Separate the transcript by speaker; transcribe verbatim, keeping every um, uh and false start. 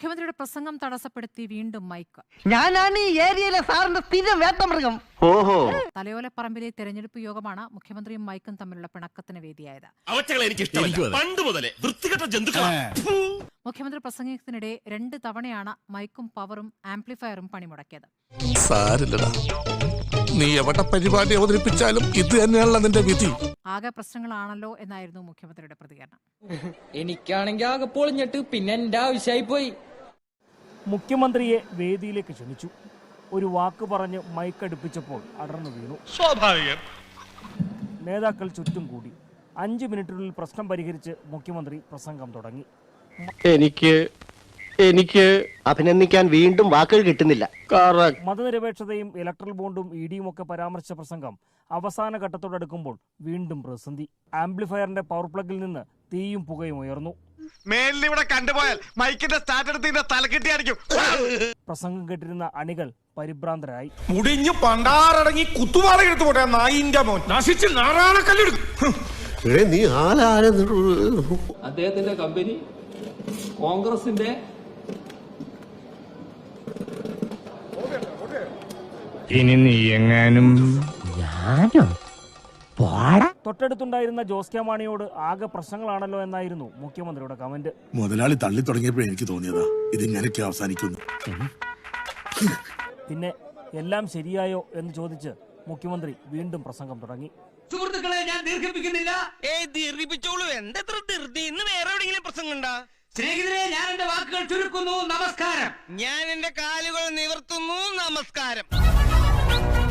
Speaker 1: മുഖ്യമന്ത്രിയുടെ പ്രസംഗം തടസ്സപ്പെടുത്തി വീണ്ടും മൈക്ക്.
Speaker 2: ഞാനാണ് ഈ ഏരിയയിലെ സാറിന്റെ സ്ഥിരം വേട്ടമൃഗം.
Speaker 3: ഓഹോ.
Speaker 1: തലയോലപ്പറമ്പിലെ തെരഞ്ഞെടുപ്പ് യോഗമാണ് മുഖ്യമന്ത്രിയും മൈക്കും തമ്മിലുള്ള പിണക്കത്തിന് വേദിയായത്. മുഖ്യമന്ത്രി പ്രസംഗത്തിനിടെ രണ്ട് തവണയാണ് മൈക്കും പവറും ആംപ്ലിഫയറും പണിമുടക്കിയത്.
Speaker 4: നീ എവിടെ പരിപാടി അവതരിപ്പിച്ചാലും ഇത് തന്നെയാണല്ലോ നിന്റെ വിധി.
Speaker 1: ആകെ പ്രശ്നങ്ങളാണല്ലോ എന്നായിരുന്നു മുഖ്യമന്ത്രിയുടെ പ്രതികരണം.
Speaker 5: എനിക്കാണെങ്കിൽ ആകെ പൊളിഞ്ഞിട്ട് പിന്നെ എന്റെ ആവശ്യമായി പോയി.
Speaker 6: മുഖ്യമന്ത്രിയെ വേദിയിലേക്ക് ക്ഷണിച്ചു. ഒരു വാക്ക് പറഞ്ഞ് മൈക്കടുപ്പിച്ചപ്പോൾ അടർന്നു വീണു.
Speaker 4: സ്വാഭാവികം.
Speaker 6: നേതാക്കൾ ചുറ്റും കൂടി. അഞ്ചു മിനിറ്റിനുള്ളിൽ പ്രശ്നം പരിഹരിച്ച് മുഖ്യമന്ത്രി പ്രസംഗം തുടങ്ങി.
Speaker 3: എനിക്ക് എനിക്ക് അഭിനന്ദിക്കാൻ വീണ്ടും വാക്കുകൾ കിട്ടുന്നില്ല.
Speaker 6: മതനിരപേക്ഷതയും ഇലക്ട്രൽ ബോണ്ടും ഇ ഡിയും ഒക്കെ പരാമർശിച്ച പ്രസംഗം അവസാന ഘട്ടത്തോടടുക്കുമ്പോൾ വീണ്ടും പ്രതിസന്ധി. ആംപ്ലിഫയറിന്റെ പവർ പ്ലഗിൽ നിന്ന് തീയും പുകയും ഉയർന്നു.
Speaker 4: മേലിവിടെ കണ്ടുപോയാൽ മൈക്കിന്റെ സ്റ്റാർട്ട് എടുത്ത് തലക്കെട്ടിയായിരിക്കും.
Speaker 6: പ്രസംഗം കേട്ടിരുന്ന അണികൾ പരിഭ്രാന്തരായി.
Speaker 4: മുടിഞ്ഞു പണ്ടാറടങ്ങി കുത്തുപാറ എടുത്തു പോട്ടെ നായിന്റെ മോൻ നശിച്ച് നാറാണക്കല്ലെടുക്കും.
Speaker 3: നീ ആരാ?
Speaker 5: അദ്ദേഹത്തിന്റെ കമ്പനി കോൺഗ്രസിന്റെ
Speaker 4: ഇനി നീ എങ്ങാനും
Speaker 6: തൊട്ടടുത്തുണ്ടായിരുന്ന ജോസ് കെ മാണിയോട് ആകെ പ്രശ്നങ്ങളാണല്ലോ എന്നായിരുന്നു മുഖ്യമന്ത്രിയുടെ കമന്റ്.
Speaker 7: മുതലാളി തള്ളി തുടങ്ങിയപ്പോഴേ എനിക്ക് തോന്നിയതാ ഇതിങ്ങനെയൊക്കെ അവസാനിക്കുന്നു.
Speaker 6: പിന്നെ എല്ലാം ശരിയായോ എന്ന് ചോദിച്ച് മുഖ്യമന്ത്രി വീണ്ടും പ്രസംഗം തുടങ്ങി.
Speaker 8: സുഹൃത്തുക്കളെ, ഞാൻ ദീർഘിപ്പിക്കുന്നില്ല. ദീർഘിപ്പിച്ചോളൂ. എന്തെത്ര ധൃതി? ഇന്ന് വേറെ എവിടെയെങ്കിലും പ്രസംഗം ഉണ്ടാ? സ്നേഹിതരെ, ഞാൻ എന്റെ വാക്കുകൾ ചുരുക്കുന്നു. നമസ്കാരം. ഞാൻ എന്റെ കാലുകൾ നിവർത്തുന്നു. നമസ്കാരം.